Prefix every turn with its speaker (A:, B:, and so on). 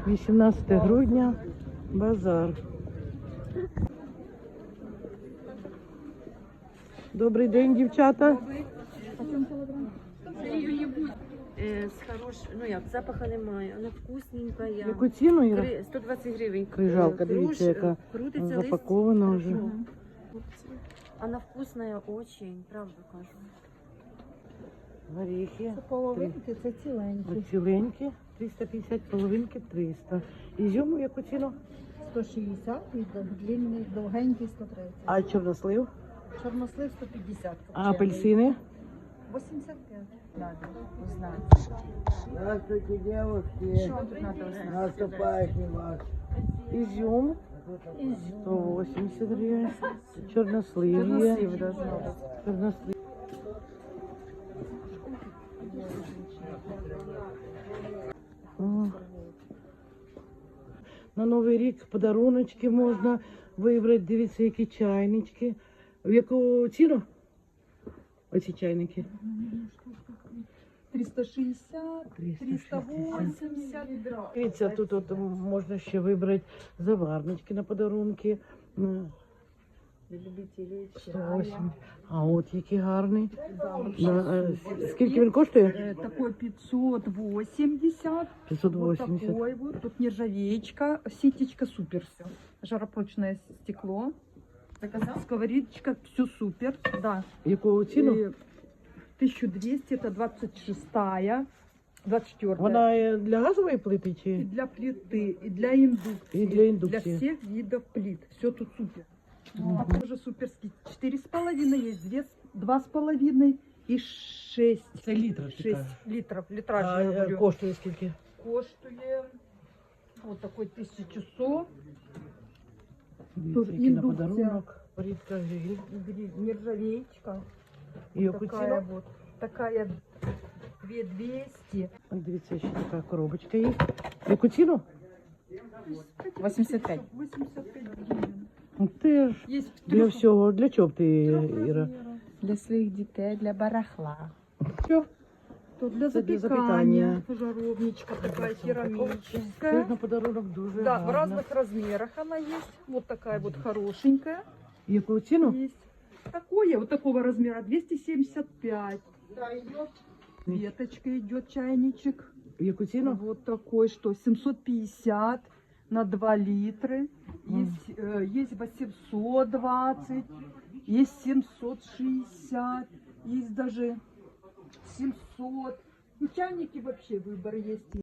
A: 18 грудня, базар. Добрий день, дівчата.
B: Запаха немає, вона вкусненька.
A: Яку ціну, Іра?
B: 120 гривень.
A: Крижалка, дивіться, яка
B: крутиться
A: запакована вже.
B: Она вкусная очень, правда кажу.
A: Горіхи.
C: Це половинки, це ціленькі.
A: Ціленькі, 350, половинки 300. Ізюм в яку ціну?
C: 160 і длинний, довгенький 130.
A: А чорнослив?
C: Чорнослив 150.
A: А апельсини?
C: 85.
B: Надо узнать.
D: Здравствуйте, девушки.
B: Что тут надо узнать?
D: Наступающий вас.
A: Ізюм 180 гривень. Чорнослив є.
B: Чорнослив должно быть.
A: Чорнослив. О. На Новий рік подаруночки можна вибрати. Дивіться, які чайнички. В яку ціну? Оці чайники.
C: 360,
A: 380. Дивіться, тут от можна ще вибрати заварнички на подарунки. Ну,
C: Любителі
A: 180. А от який гарний. Скільки він коштує?
C: Такой 580.
A: 580.
C: Вот такой вот. Тут нержавеечка, ситечка, супер все. Жаропрочное стекло. Сковородочка, все супер. Да.
A: Яку ціну?
C: 1200, это 26-я, 24-я.
A: Вона для газової плити
C: И
A: чи?
C: для плиты, и для индукции.
A: И для индукции.
C: Для всех видов плит. Все тут супер. А тоже суперский. 4,5 есть, 2,5 и 6.
A: Це літр.
C: 6 литров. Литраж, я
A: А
C: говорю.
A: коштує скільки?
C: Коштує вот такой 1100.
A: Дивіться,
C: Тут
A: який на
C: індукція.
A: подарунок. Рідка гриль.
C: Нержавеечка.
A: І яку
C: Такая
A: ціну?
C: вот. Такая 2200.
A: Дивіться, ще така коробочка є. Яку ціну?
B: 85.
C: 85 гривен.
A: Теж
C: Есть в
A: для
C: трёх
A: всього. Для чого б ти, Іра?
C: размерах.
B: Для своих детей, для барахла.
A: Все.
C: Тут для
A: Це для
C: запекания.
A: запікання.
C: Жаровничка такая
A: Теж
C: керамическая.
A: на подарунок дуже
C: Да, в
A: гарно.
C: разных размерах она есть. Вот такая вот хорошенькая.
A: Яку ціну?
C: Есть. Такое, вот такого размера, 275. Веточка идет чайничек.
A: Яку ціну?
C: Вот такой, что 750 на 2 литра. Есть, есть 820, есть 760, есть даже 700. Ну, чайники вообще выбор есть.